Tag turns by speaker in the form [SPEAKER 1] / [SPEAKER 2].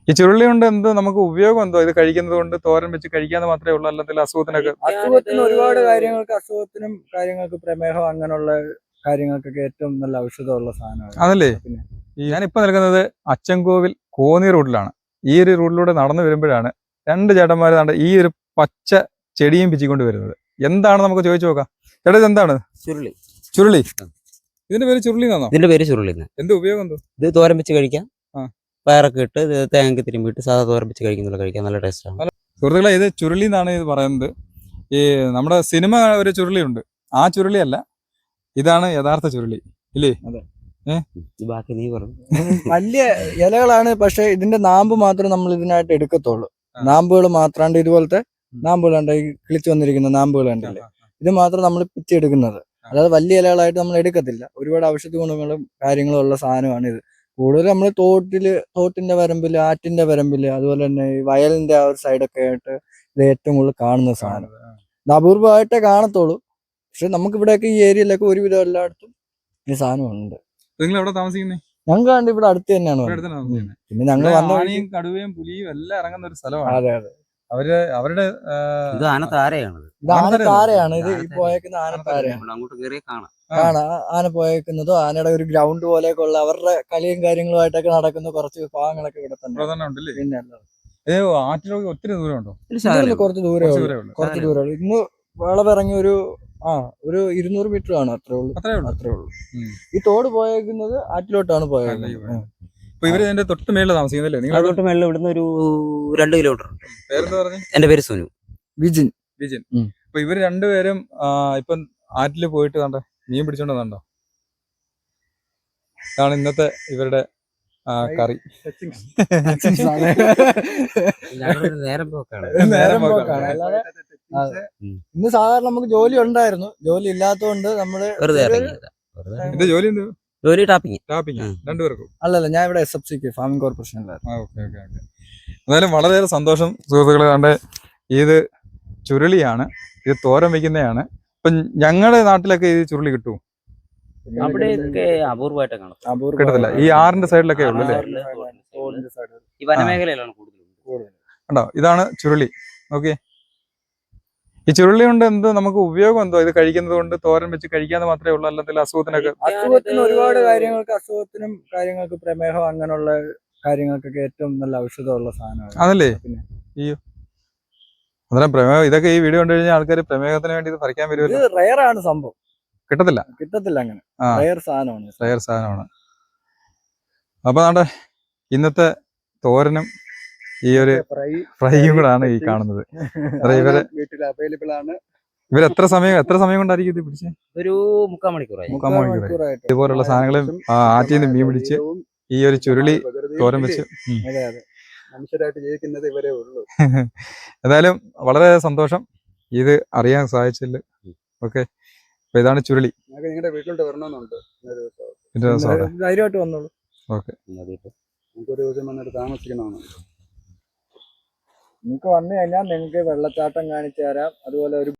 [SPEAKER 1] ഈ ചുരുളി കൊണ്ട് എന്ത് നമുക്ക് ഉപയോഗം എന്തോ? ഇത് കഴിക്കുന്നത് കൊണ്ട് തോരൻ വെച്ച് കഴിക്കാന്ന് മാത്രമേ ഉള്ളൂ, അല്ലെങ്കിൽ അസുഖത്തിനൊക്കെ?
[SPEAKER 2] അസുഖത്തിന് ഒരുപാട് കാര്യങ്ങൾക്ക്, അസുഖത്തിനും കാര്യങ്ങൾക്ക്, പ്രമേഹം അങ്ങനെയുള്ള കാര്യങ്ങൾക്കൊക്കെ ഏറ്റവും നല്ല ഔഷധമുള്ള സാധനമാണ്.
[SPEAKER 1] അതല്ലേ? ഞാനിപ്പോ നിൽക്കുന്നത് അച്ചൻകോവിൽ കോന്നി റൂട്ടിലാണ്. ഈ ഒരു റൂട്ടിലൂടെ നടന്നു വരുമ്പോഴാണ് രണ്ട് ചേട്ടന്മാർ ഈ ഒരു പച്ച ചെടിയും പിച്ചിക്കൊണ്ട് വരുന്നത്. എന്താണ് നമുക്ക് ചോദിച്ചു നോക്കാം. ചേട്ടാ, ഇത് എന്താണ്?
[SPEAKER 3] ചുരുളി.
[SPEAKER 1] ചുരുളി? ഇതിന്റെ പേര് ചുരുളി എന്നാണോ?
[SPEAKER 3] ഇതിന്റെ പേര് ചുരുളി.
[SPEAKER 1] എന്ത് ഉപയോഗം എന്തോ?
[SPEAKER 3] ഇത് തോരൻ വെച്ച് കഴിക്കാം. പയറൊക്കെ ഇട്ട് തേങ്ങ തിരുമ്പിട്ട് സാധാ തോരൻ വെച്ച് കഴിക്കാൻ നല്ല ടേസ്റ്റാണ്.
[SPEAKER 1] സുഹൃത്തുക്കളെ, ഇത് ചുരുളി എന്നാണ് ഇത് പറയുന്നത്. ഈ നമ്മുടെ സിനിമ ഒരു ചുരുളിയുണ്ട്, ആ ചുരുളിയല്ല, ഇതാണ് യഥാർത്ഥ ചുരുളി, ഇല്ലേ?
[SPEAKER 3] ബാക്കി നീ പറഞ്ഞു.
[SPEAKER 2] വലിയ ഇലകളാണ്, പക്ഷെ ഇതിന്റെ നാമ്പ് മാത്രം നമ്മൾ ഇതിനായിട്ട് എടുക്കത്തുള്ളൂ. നാമ്പുകൾ മാത്രാണ്ട്, ഇതുപോലത്തെ നാമ്പുകളുണ്ട്, ഈ കിളിച്ചു വന്നിരിക്കുന്ന നാമ്പുകൾ ഉണ്ടല്ലേ, ഇത് മാത്രം നമ്മൾ പിച്ചെടുക്കുന്നത്. അതായത് വലിയ ഇലകളായിട്ട് നമ്മൾ എടുക്കത്തില്ല. ഒരുപാട് ഔഷധ ഗുണങ്ങളും കാര്യങ്ങളും ഉള്ള സാധനമാണ് ഇത്. കൂടുതൽ നമ്മൾ തോട്ടിന്റെ വരമ്പില്, ആറ്റിന്റെ വരമ്പില്, അതുപോലെ തന്നെ ഈ വയലിന്റെ ആ ഒരു സൈഡൊക്കെ ആയിട്ട് ഇത് ഏറ്റവും കൂടുതൽ കാണുന്ന സാധനം. ഇത് അപൂർവമായിട്ടേ കാണത്തുള്ളൂ. പക്ഷെ നമുക്ക് ഇവിടെയൊക്കെ ഈ ഏരിയയിലൊക്കെ ഒരുവിധം എല്ലായിടത്തും ഈ സാധനം ഉണ്ട്.
[SPEAKER 1] നിങ്ങൾ എവിടെ താമസിക്കുന്നത്?
[SPEAKER 2] ഞങ്ങൾ കണ്ട് ഇവിടെ അടുത്ത് തന്നെയാണ്. പിന്നെ ഞങ്ങൾ
[SPEAKER 1] ആനയും കടുവയും പുലിയും എല്ലാം ഇറങ്ങുന്ന ഒരു സ്ഥലമാണ്.
[SPEAKER 2] അതെ അതെ.
[SPEAKER 3] അവരുടെ ഇത് ആനത്താരയാണ്.
[SPEAKER 2] ഇത് ആനത്താരയാണ്. ഇത് ഈ പോയേക്കുന്ന ആനത്താരയാണ്.
[SPEAKER 3] അങ്ങോട്ട് കയറി കാണാം.
[SPEAKER 2] ആന പോയേക്കുന്നതോ ആനയുടെ ഒരു ഗ്രൗണ്ട് പോലെയൊക്കെ ഉള്ള അവരുടെ കളിയും കാര്യങ്ങളുമായിട്ടൊക്കെ നടക്കുന്ന കുറച്ച് ഭാഗങ്ങളൊക്കെ ഇവിടെ തന്നെ. പിന്നെ
[SPEAKER 1] ആറ്റിലൊക്കെ ഒത്തിരി ദൂരമുണ്ടോ?
[SPEAKER 2] കുറച്ച് ദൂരമേ ഉള്ളൂ. ഇന്ന് വളവിറങ്ങി ഒരു 200 മീറ്റർ ആണ്. അത്രേ ഉള്ളൂ. ഈ തോട് പോയേക്കുന്നത് ആറ്റിലോട്ടാണ് പോയേക്കുന്നത്.
[SPEAKER 1] ഇവര് എന്റെ തൊട്ട് മേളിൽ താമസിക്കുന്നല്ലേ? നിങ്ങൾ
[SPEAKER 3] തൊട്ട് മേളിൽ ഇവിടുന്ന് ഒരു 2 കിലോമീറ്റർ ഉണ്ട്.
[SPEAKER 1] പേരെന്താ പറഞ്ഞു?
[SPEAKER 3] എന്റെ പേര് സുനു.
[SPEAKER 2] വിജിൻ.
[SPEAKER 1] അപ്പൊ ഇവര് രണ്ടുപേരും ഇപ്പം ആറ്റില് പോയിട്ട് കണ്ടോ മീൻ പിടിച്ചോണ്ടോ? ഇതാണ് ഇന്നത്തെ ഇവരുടെ കറി.
[SPEAKER 3] നേരം പോക്കാണ്.
[SPEAKER 2] ഇന്ന് സാധാരണ നമുക്ക് ജോലി ഉണ്ടായിരുന്നു, ജോലി ഇല്ലാത്തതുകൊണ്ട് നമ്മള്
[SPEAKER 1] ഇത് ജോലി എന്ത്?
[SPEAKER 3] ജോലി ടാപ്പിംഗ്.
[SPEAKER 1] രണ്ടുപേർക്കും?
[SPEAKER 2] അല്ലല്ല, ഞാൻ ഇവിടെ SFCക്ക് ഫാമിംഗ് കോർപ്പറേഷനിലായിരുന്നു.
[SPEAKER 1] എന്തായാലും വളരെയേറെ സന്തോഷം സുഹൃത്തുക്കളെ. കണ്ട് ഇത് ചുരുളിയാണ്, ഇത് തോരൻ വെക്കുന്നതാണ്. ഇപ്പൊ ഞങ്ങളുടെ നാട്ടിലൊക്കെ ഇത് ചുരുളി കിട്ടും,
[SPEAKER 3] അവിടെയൊക്കെ അപൂർവമായിട്ട് കാണും.
[SPEAKER 1] കിട്ടത്തില്ല. ഈ ആറിന്റെ സൈഡിലൊക്കെ ഉള്ളു അല്ലേ?
[SPEAKER 3] ഈ വനമേഖലയിലാണ് കൂടുതൽ.
[SPEAKER 1] കണ്ടോ, ഇതാണ് ചുരുളി. ഓക്കെ, ഈ ചുരുളി കൊണ്ട് എന്ത് നമുക്ക് ഉപയോഗം എന്തോ? ഇത് കഴിക്കുന്നത് കൊണ്ട് തോരൻ വെച്ച് കഴിക്കാന്ന് മാത്രമേ ഉള്ളൂ, അല്ലെങ്കിൽ അസുഖത്തിനൊക്കെ?
[SPEAKER 2] അസുഖത്തിന് ഒരുപാട് കാര്യങ്ങൾക്ക്, അസുഖത്തിനും കാര്യങ്ങൾക്ക്, പ്രമേഹം അങ്ങനെയുള്ള കാര്യങ്ങൾക്കൊക്കെ ഏറ്റവും നല്ല ഔഷധമുള്ള സാധനമാണ്.
[SPEAKER 1] അതല്ലേ? അന്നേരം പ്രമേഹം ഇതൊക്കെ ഈ വീഡിയോ കണ്ടു കഴിഞ്ഞാൽ ആൾക്കാർ പ്രമേഹത്തിന് വേണ്ടി ഇത് പറിക്കാൻ വരുമല്ലോ.
[SPEAKER 2] ഇത് റയർ ആണ് സംഭവം.
[SPEAKER 1] കിട്ടത്തില്ല
[SPEAKER 2] അങ്ങനെ. റയർ സാധനമാണ്.
[SPEAKER 1] അപ്പൊ നാട്ടെ ഇന്നത്തെ തോരനും ഈ ഒരു ഫ്രൈയും കൂടെ ആണ് ഈ കാണുന്നത്.
[SPEAKER 2] വീട്ടിൽ അവൈലബിൾ ആണ്.
[SPEAKER 1] ഇവർ എത്ര സമയം കൊണ്ടായിരിക്കും ഇത് പിടിച്ചത്?
[SPEAKER 3] ഒരു 3/4 മണിക്കൂറായി.
[SPEAKER 1] ഇതുപോലുള്ള സാധനങ്ങളും ആറ്റിൽ നിന്ന് മീൻ പിടിച്ച് ഈ ഒരു ചുരുളി തോരൻ വെച്ച്
[SPEAKER 2] മനുഷ്യരായിട്ട് ജീവിക്കുന്നത് ഇവരേ ഉള്ളൂ.
[SPEAKER 1] എന്തായാലും വളരെ സന്തോഷം ഇത് അറിയാൻ സാധിച്ചില്ല. ഓക്കെ, അപ്പൊ ഇതാണ് ചുരുളി.
[SPEAKER 2] നിങ്ങളുടെ വീട്ടിലോട്ട് വരണമെന്നുണ്ട്.
[SPEAKER 1] ധൈര്യമായിട്ട് വന്നോളൂ. ഓക്കെ,
[SPEAKER 2] നമുക്കൊരു ദിവസം വന്നിട്ട് താമസിക്കണമെന്നുണ്ട്. നിങ്ങൾക്ക് വന്നു കഴിഞ്ഞാൽ നിങ്ങൾക്ക് വെള്ളച്ചാട്ടം കാണിച്ചു തരാം. അതുപോലെ ഒരു